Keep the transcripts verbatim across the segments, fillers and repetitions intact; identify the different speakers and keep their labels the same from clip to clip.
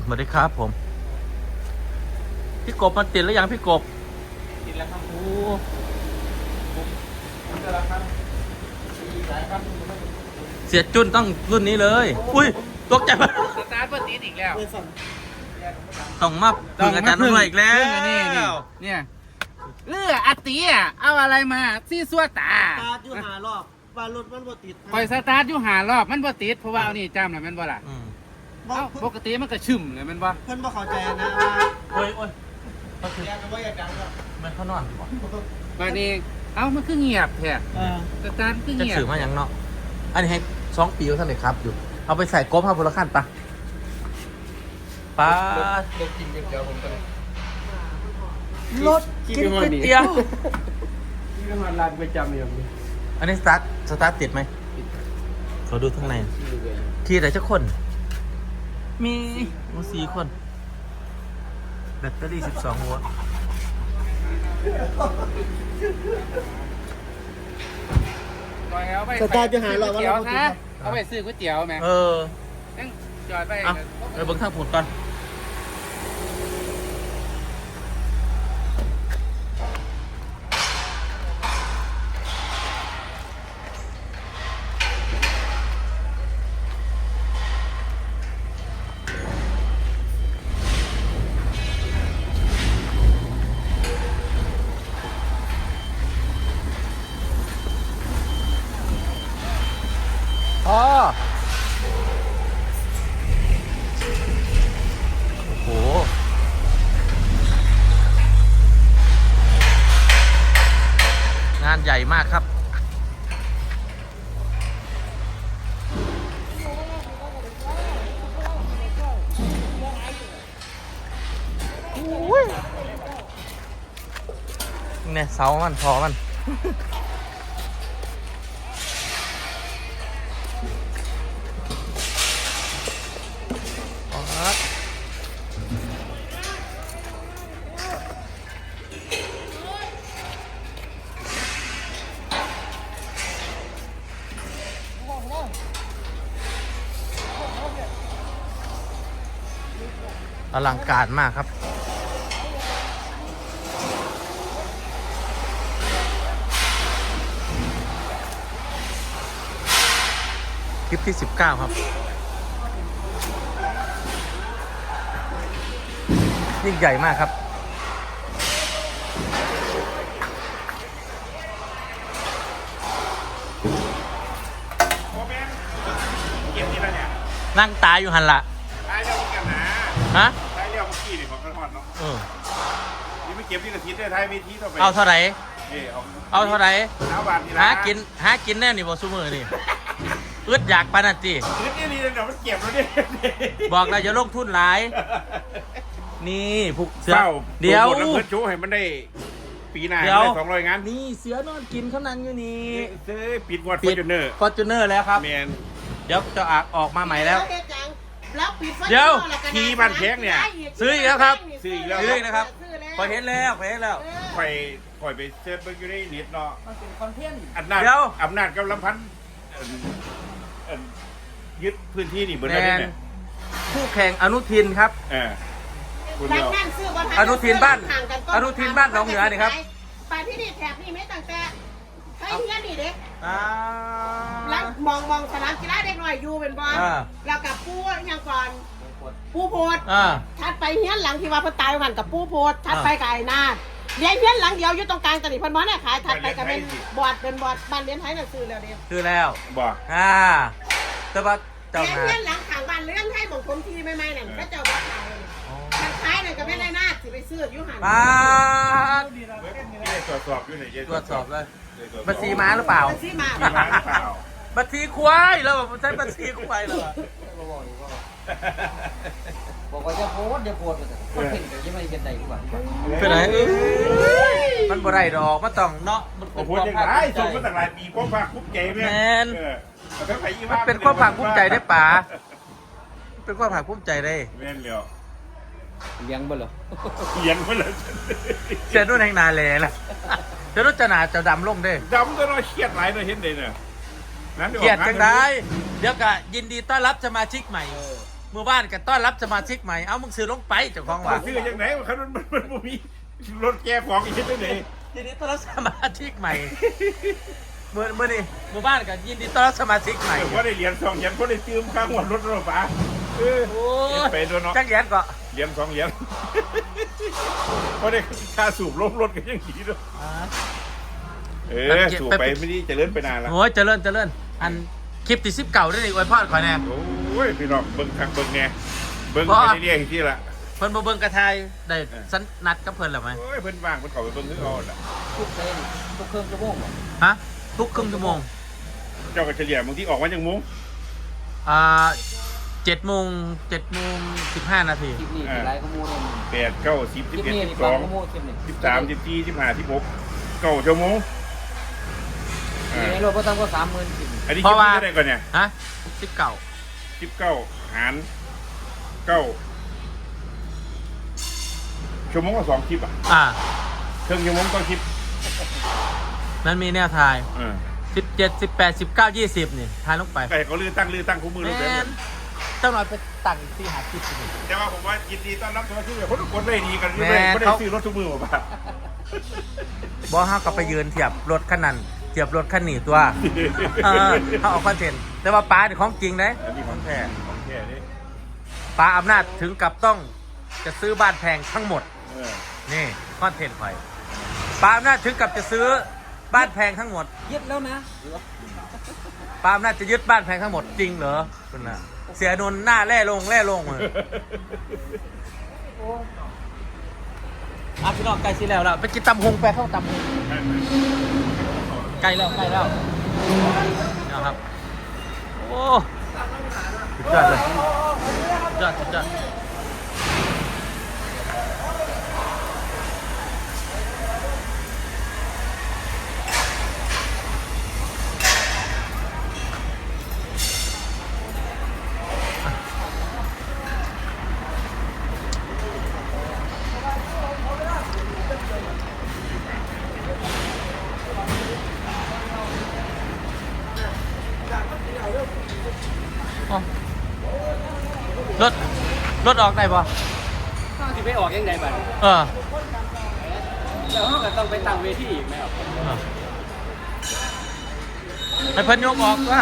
Speaker 1: สวัสดีครับผมพี่กบมาติดแล้วยังพี่กบ
Speaker 2: ติดแล้วครับ
Speaker 1: โอ้
Speaker 2: ผมจะรับครับมีหลายครับ
Speaker 1: เสียจุนต้องรุ่นนี้เลยอุ้ยตกใจมาก
Speaker 2: สตาร์ทเปิดติดอีกแล้ว
Speaker 1: ต้องมาพึ่งอาจารย์นุ่นอีกแล้ว
Speaker 2: นี่นี่เนี่ยเอออาตีอ่ะเอาอะไรมาซี่ซัวตา
Speaker 3: สตาร์ทอยู่หารอบว่ารถมันบ่ติด
Speaker 2: คอยสตาร์ทอยู่หารอบมันบ่ติดเพราะว่าเอานี่จำหน่อยมันบ่ล่ะ
Speaker 1: อืม
Speaker 3: บ่
Speaker 2: เอ้าปกติมันก็ชึ่มเลยมันบ่
Speaker 3: เพิ่นบ่เข้าใจนะว่า
Speaker 1: โอ้ยโอ้ยก็คือ
Speaker 3: อยากจะว่าอยากดังก็
Speaker 1: มันเขานอนบ่
Speaker 2: บัดนี้เอ้ามันคือเงียบแท้
Speaker 3: เออ
Speaker 2: สตาร์ทคือ
Speaker 1: จะ
Speaker 2: เงียบ
Speaker 1: สื่อมาอย่างเนาะอันนี้ให้สองปีท่านเลยครับอยู่เอาไปใส่กบห้าพลขั้นปะป้าร
Speaker 2: ถกินก๋วยเตี๋ยวผมก็เลย
Speaker 1: รถกินก๋วยเตี๋ยว
Speaker 2: นี่ก็มาร้านประจำอย่างนี้
Speaker 1: อันนี้สตาร์ทสตาร์ทติดไหมเขาดูข้างในขี่แต่เจ้าคน มีมีสี่คนแบตเตอรี่สิบสองโวลต์
Speaker 3: สตาร์ทอยู่หารอบว่ารถบ่ติด
Speaker 2: นะเอาไปซื้อก๋วยเตี๋ยวแม่
Speaker 1: เออ
Speaker 2: ยังจอดไป
Speaker 1: เอาไปเบิ้งทางผุดก่อนอ๋อโอ้โหงานใหญ่มากครับเนี่ยเสามันพอมันอลังการมากครับคลิปที่สิบเก้าครับยิ่งใหญ่มากครับนั่งตายอยู่หันละ
Speaker 4: ตายเรียวกันนะ
Speaker 1: ฮะ
Speaker 4: ตายเรียวเมื่อกี้นี่ของกระทอนเนาะ
Speaker 1: เออ
Speaker 4: นี่ไม่เก็บที่กระทิได้ท้ายเวทีต่อไป
Speaker 1: เอาเท่าไหร่
Speaker 4: เออเอา
Speaker 1: เอาเท่าไหร่
Speaker 4: เอาบาทนี่ละ
Speaker 1: หากินหากินแน่นี่บอซูมือนี่อึดอยากปานันตี
Speaker 4: นิดนี่นี่เดี๋ยวมันเก็บแล้วเนี่ย
Speaker 1: บอกเราจะลงทุนหลาย นี่ผูกเสือ
Speaker 4: เศร้า
Speaker 1: เดี๋ยว
Speaker 4: โปรโมทน้ำเพื่อนโชว์ให้มันได้ปีหน้า
Speaker 1: เดี๋ยว
Speaker 4: ได้สองร้อยงาน
Speaker 1: นี่เสือนอนกินเขานั่งอยู่นี่
Speaker 4: เอ้ยปิดงวดฟอร์จูเนอร์
Speaker 1: ฟอร์จูเนอร์แล้วครับ
Speaker 4: แมน
Speaker 1: เดี๋ยวจะออกออกมาใหม่แล้ว
Speaker 3: แล้วปิดไฟ
Speaker 1: เดี๋ยว
Speaker 4: ขี่บ้านแข้งเนี่ย
Speaker 1: ซื้ออีกแล้วครับ
Speaker 4: ซื้ออีกแล้ว
Speaker 1: ซื้ออีกนะครับ พอเห็นแล้วพอเห็นแล้ว
Speaker 4: คอยคอยไปเซิร์ชเบิ่งอยู่ในเน็ตเนาะ
Speaker 2: มันเป็นคอนเทนต์
Speaker 4: อำนาจ
Speaker 1: เดี๋ยว
Speaker 4: อำนาจกำลังพันเอิ่มเอิ่มยึดพื้นที่นี่เบิร์ด
Speaker 1: แม
Speaker 4: ได้
Speaker 1: น
Speaker 4: เนี่ย
Speaker 1: คู่แข่งอนุทินครับ
Speaker 4: เออคุณเดียว
Speaker 1: อนุทินบ้านอนุทินบ้านหนองเหนือนี่ครับ
Speaker 5: ไปที่นี่แถบนี่ไม่ตั้งแต่ใช้เงี้ยนี่เด็ก
Speaker 1: อ่า
Speaker 5: แล้วมองมองสนามกีฬาเด็กหน่อยอยู่เป็นบอล
Speaker 1: อ่า
Speaker 5: แล้วกับปูอย่างก่อนปูโพด
Speaker 1: อ่า
Speaker 5: ทัดไปเฮี้ยนหลังที่ว่าเพิ่นตายกันกับปูโพดทัด
Speaker 1: อ่า
Speaker 5: ไปกับไอ้นาดเลี้ยงเฮี้ยนหลังเดียวอยู่ตรงกลางตอนนี้เพิ่นบ่ได้ขายทัดไปกับเป็นบอดเป็นบอดบ้านเลี้ยงไทยน่ะซื้อแล้วเด้
Speaker 1: คือแล้ว
Speaker 4: บอก
Speaker 1: อ่าแต่ว่าเจ้า
Speaker 5: เลี้ยง
Speaker 1: นา
Speaker 5: เฮี้ยนหลังข้างบ้านเลี้ยงไทยของผมทีใหม่ๆนั่นก็เจ้าบ่ขายมันขายนั่นก็ไม่ได้นาดสิไปซื้ออยู่หัน
Speaker 1: ป้าด
Speaker 4: ที่ได้ตรวจสอบอยู่ไหน
Speaker 1: ตรวจสอบเลยบัญชีม้าหรือเปล่า
Speaker 5: มันสิมา
Speaker 4: มีมาหรือเปล่า
Speaker 1: บัญชีควายแล้วแบบใช้บัญชีควายเหรอ
Speaker 2: บอกว่าจะโพสเดี๋ยวโพสไปแต่คนเห็นแต่ยังไม่เห็นใดดีกว่า
Speaker 1: เป็นไรมันบ่ได้ดอกมันต้องเนาะมัน
Speaker 4: โอ้
Speaker 1: เป็น
Speaker 4: โห
Speaker 1: ความ
Speaker 4: ยัง
Speaker 1: ภาค
Speaker 4: ไง
Speaker 1: ภูมิใจ
Speaker 4: ส่งมาตั้งหลายปีความภาคภูมิใจแม่
Speaker 1: แม่น
Speaker 4: เออแล้วก็ไปอี
Speaker 1: มันเป็นความภาคภูมิใจได้ป่าเป็นความภาคภูมิใจได้
Speaker 4: แม่นแล้ว
Speaker 2: เลี้ยงบ่เหรอ
Speaker 4: เขียนมาเลย
Speaker 1: เสียนุ่นแห่งนาแลล่ะเดี๋ยวนุ่นจะหนาจะดำลงเด้
Speaker 4: ดำก็น้อยเครียดหลายเลยเห็นเลยเนี่ยนั่น
Speaker 1: เกียดจังได้เดี๋ยวก็ยินดีต้อนรับสมาชิกใหม่มือบ้านกันต้อนรับสมาชิกใหม่เอามึงซื้อลงไปเจ้าของว่า
Speaker 4: ซื้อยังไงมันมันมันมันมีรถแก้ของอีกที่ไหน
Speaker 1: ยินดีต้อนรับสมาชิกใหม่เมื่อเมื่อนี้มือบ้านกันยินดีต้อนรับสมาชิกใหม่
Speaker 4: ว่าได้เหรียญสองเหรียญเพราะได้ซื้อข้างหัวรถรถป๋าเออ
Speaker 1: โอ้ย
Speaker 4: ไปตัวเนาะ
Speaker 1: จักแยนก็
Speaker 4: เหรียญสองเหรียญเพราะได้ค่าสูบล้มรถกันยังดีด้วยเออสูบไปไม่ได้จะเลื่อนไปนานแล้ว
Speaker 1: โอ้ยเจริญเจริญอันคลิปติดซิปเก่าได้เลยอวยพรขอแน่
Speaker 4: โอ้ยพี่น้องเบิ้งคักเบิ้งแน่เบิ้ง
Speaker 1: บ่
Speaker 4: ไปเรื่อยๆที่ละ
Speaker 1: เพิ่นบ่เบิ่งกระทายได้สันนัดกับเพิ่นแล้วไหม
Speaker 4: โอ้ยเพิ่นว่างเพิ่นขอไปเบิ้งนึกเอาละ
Speaker 2: ทุกเส้นทุกเครื่องชั่วโมง
Speaker 1: ฮะทุกครึ่งชั่วโมง
Speaker 4: เจ้าก็เฉลี่ยบางทีออกมาจังมุ้ง
Speaker 1: อ่าเจ็ดโมงเจ็ดโมงสิบห้านาที
Speaker 2: คลิปนี้เป็นไรก็มูเลย
Speaker 4: แปดเก้าสิบ
Speaker 2: ค
Speaker 4: สิ
Speaker 2: ลิ
Speaker 4: บ
Speaker 2: ป
Speaker 4: เอ็ด
Speaker 2: นี้
Speaker 4: สิ
Speaker 2: นี่
Speaker 4: บส
Speaker 2: ฟั
Speaker 4: อง ง
Speaker 2: ก็มูคลิปนี้
Speaker 4: สิบสามสิบสี่สิบห้าสิบหกเก้าชั่วโมง
Speaker 2: ในรถก็ตั้งก็สามหมื่นสิบ
Speaker 4: อันนี้
Speaker 1: เพ
Speaker 4: คิด
Speaker 1: ราะว่า
Speaker 4: ว่าได้ก่อนเนี่ย
Speaker 1: ฮะสิบเก่า
Speaker 4: สิบเก้าหารเก้าชั่วโมงละสองคลิปอ่ะ
Speaker 1: อ่า
Speaker 4: เครื่องชั่วโมงต้องคลิป
Speaker 1: นั้นมีแนวทาย
Speaker 4: เออ
Speaker 1: สิบเจ็ดสิบแปดสิบเก้ายี่สิบนี่ทายลงไป
Speaker 4: ใครเขาลือตั้งลือตั้งคู่มือ
Speaker 1: แม
Speaker 4: รู้แบบ
Speaker 1: นต้องนอนไปตั้งที่หาคลิปนี่
Speaker 4: แต่ว่าผมว่ายินดีต้อนรับสมาชิกคนทุกคนได้ดีกัน
Speaker 1: แม่
Speaker 4: ไม่ได้ไม่ได้
Speaker 1: เขา
Speaker 4: ซื้อรถทุกมือหรอกป่ะ
Speaker 1: บอห้าก็ไปยืนเทียบรถคันนั้นเทียบรถคันนี้ตัวเออเขาเอาคอนเทนต์แต่ว่าป้าเนี่ยของจริงนะ
Speaker 4: อันนี้ของแท้ของแท้นี่
Speaker 1: ป้าอำนาจถึงกับต้องจะซื้อบ้านแพงทั้งหมด
Speaker 4: เออ
Speaker 1: นี่คอนเทนต์ไปป้าอำนาจถึงกับจะซื้อบ้านแพงทั้งหมด
Speaker 2: ยึดแล้วนะ
Speaker 1: ป้าอำนาจจะยึดบ้านแพงทั้งหมดจริงเหรอคุณน่ะเสียนนหน้าแร่ลงแร่ลงเลยอ่ะพี่น้องใกล้สิแล้วแล้วไปกินตำฮงไปเข้าตำฮงใกล้แล้วใกล้แล้วนะครับโอ้สุดยอดเลยสุดยอดสุดยอดอ๋อรถรถออกได้ปะ
Speaker 2: ต้องที่ไปออกยังไงบ้าง
Speaker 1: เออ
Speaker 2: แล้วก็ต้องไปตั้งเวทีอีกไหมครับ
Speaker 1: ให้เพิ่นยกออกว่า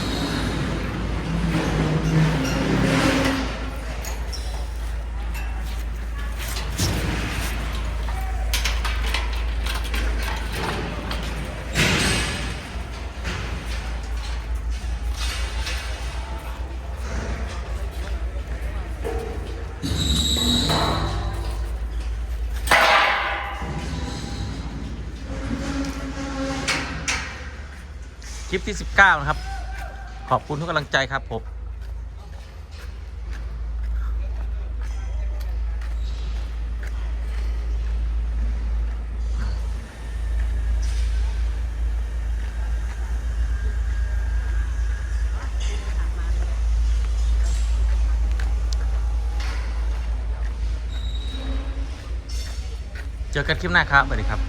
Speaker 1: คลิปที่สิบเก้านะครับ ขอบคุณทุกกำลังใจครับผมเจอกันคลิปหน้าครับสวัสดีครับ